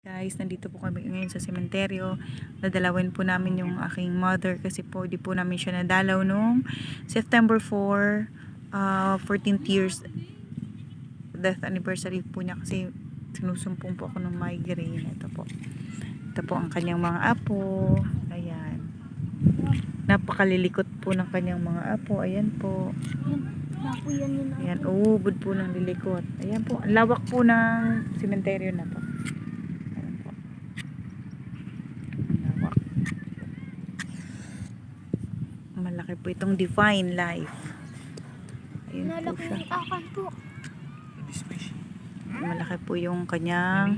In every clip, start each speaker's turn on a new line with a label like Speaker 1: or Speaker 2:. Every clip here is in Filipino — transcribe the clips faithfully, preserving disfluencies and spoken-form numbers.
Speaker 1: Guys, nandito po kami ngayon sa sementeryo. Dadalawin po namin yung aking mother kasi po di po namin siya nadalaw nung September four, uh, fourteenth years death anniversary po niya kasi sinusumpong po ako ng migraine. Ito po. Ito po ang kanyang mga apo. Ayan. Napakalilikot po ng kanyang mga apo. Ayan po. Ayan, uubod po ng lilikot. Ayan po. Ang lawak po ng sementeryo na po. Malaki po itong Divine Life. Ayun po siya. Malaki po yung kanyang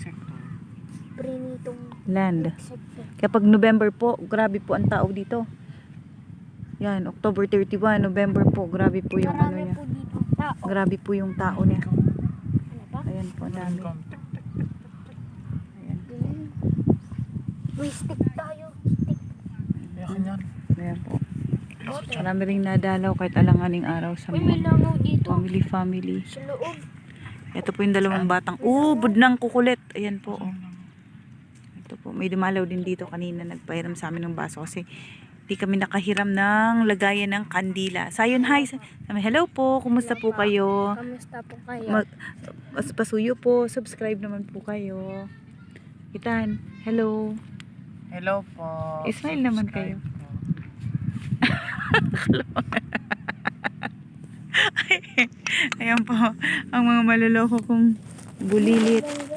Speaker 1: land. Kapag November po, grabe po ang tao dito. Yan, October thirty-one, November po, grabe po yung ano niya. Grabe po yung tao niya. Ayan po, dami. Ayan.
Speaker 2: May stick tayo. Stick.
Speaker 1: Ayan po. Marami rin nadalaw kahit alanganing araw sa
Speaker 2: Uy, may
Speaker 1: mga
Speaker 2: langaw dito.
Speaker 1: family family.
Speaker 2: Sa loob.
Speaker 1: Ito po yung dalawang batang ubod ng kukulit. Ayan po. Oh. Ito po. May dumalaw din dito kanina. Nagpahiram sa amin ng baso kasi di kami nakahiram ng lagayan ng kandila. Sayon, hi. Hello po. Kumusta po kayo?
Speaker 2: Kamusta po kayo?
Speaker 1: Mag, pas- pasuyo po. Subscribe naman po kayo. Kitan. Hello.
Speaker 3: Hello po.
Speaker 1: Smile naman kayo. Ayan po. Ang mga maluloko kong bulilit.